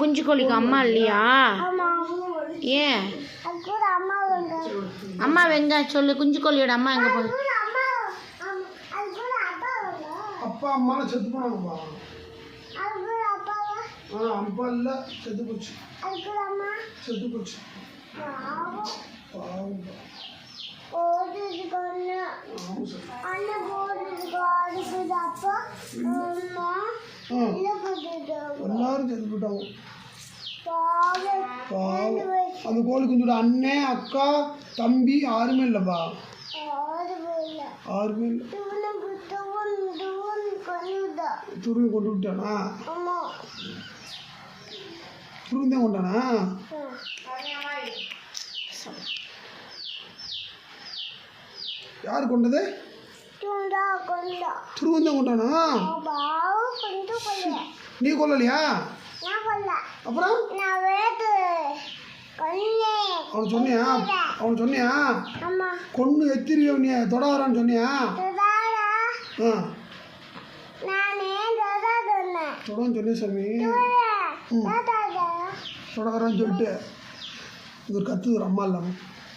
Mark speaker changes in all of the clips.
Speaker 1: குஞ்சு கோழிக்கு அம்மா இல்லையா? ஏன் அம்மா எங்க சொல்லு? குஞ்சு கோழியோட அம்மா எங்க போகுது?
Speaker 2: அப்பா அம்மா செத்து போனாங்கப்பா. அப்பா இல்ல, செத்து போச்சு. செத்து போச்சு. எல்லாரும் செத்து போயிட்டாங்க. அந்த கோழி குஞ்சோட அண்ணன் அக்கா தம்பி யாருமே இல்லைப்பா. யாருமே இல்லை. துருவி கொண்டு விட்டானா? துருவிந்தான் கொண்டானா? யாரு கொண்டது? துருவந்தான் கொண்டானா? நீ கொல்லலையா? அப்புறம் அவன் சொன்னியா? அவன் சொன்னியா கொண்டு எத்திரியோ நீ தொடாதான்னு சொன்னியா? தொடன்னு சொன்னிய சாமி. தொடரான்னு சொல்லிட்டு இது ஒரு கத்து ஒரு அம்மா இல்லாம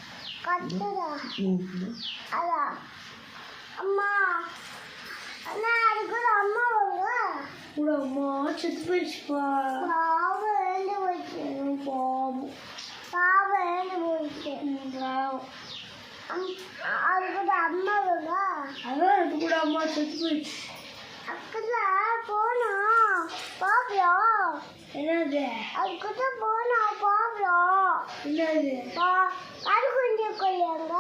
Speaker 1: செத்து போயிடுச்சுப்பா. அம்மா செத்து போயிடுச்சு. என்னது? அதுக்கிட்ட போனா பாப்போம். என்னது? கருங்குஞ்சு கொல்லியாங்க.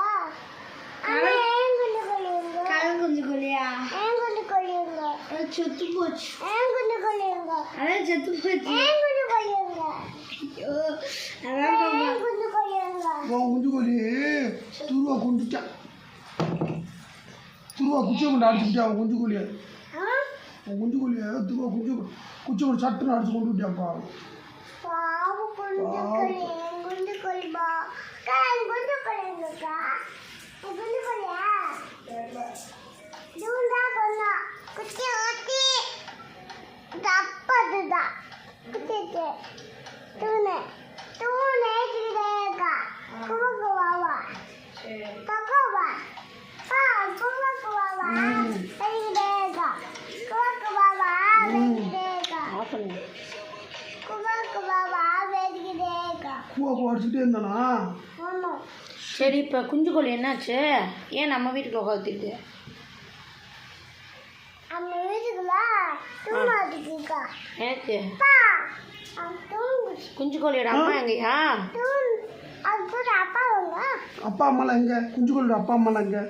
Speaker 1: கருங்குஞ்சு கொல்லியா? ஏங்குஞ்சு கொல்லியாங்க. செத்து போச்சு. ஏங்குஞ்சு கொல்லியாங்க. அதான் செத்து போச்சு. ஏங்குஞ்சு கொல்லியாங்க. ஐயோ அதான் குஞ்சு கொல்லியாங்க.
Speaker 2: குஞ்சு கொல்லி துருவா கொண்டுட்டான். துருவா குச்சி கொண்டு அடிச்சுக்கிட்டா அவன் குஞ்சு கொல்லியா. குஞ்சு கொல்லியா துருவா குச்சி கொண்டு சட்டுன்னு அடிச்சு கொண்டு விட்டாப்பா. அடிச்சுட்டே இருந்தானா?
Speaker 1: சரி, இப்போ குஞ்சு கோழி என்னாச்சு? ஏன் நம்ம வீட்டுக்கு உட்காந்துட்டு? எனக்கு குஞ்சு கோழியோட அம்மா எங்கயா?
Speaker 2: அப்பா அம்மாலாம் எங்க? குஞ்சு கோழியோட அப்பா அம்மாலாம் எங்க?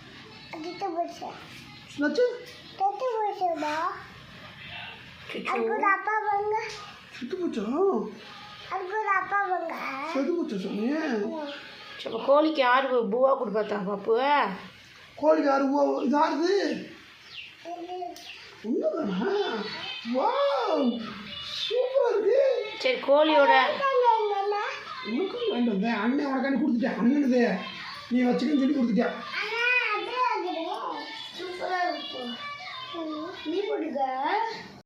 Speaker 2: செத்து போச்சா? செத்து போச்சா சாமி?
Speaker 1: இப்போ கோழிக்கு யாரு பூவா கொடுப்பாத்தா பாப்பு?
Speaker 2: கோழிக்கு யாரு பூவா? இது யாருது? ஒண்ணுதானா? வாவ் சூப்பரா இருக்கு.
Speaker 1: சரி, கோழியோட
Speaker 2: உனக்கு வேண்டாம். அண்ணன் உனக்காண்டி கொடுத்துட்டேன். அண்ணனுது நீ வச்சுக்கன்னு சொல்லி கொடுத்துட்டேன்.
Speaker 1: நீ போட்டுக்க.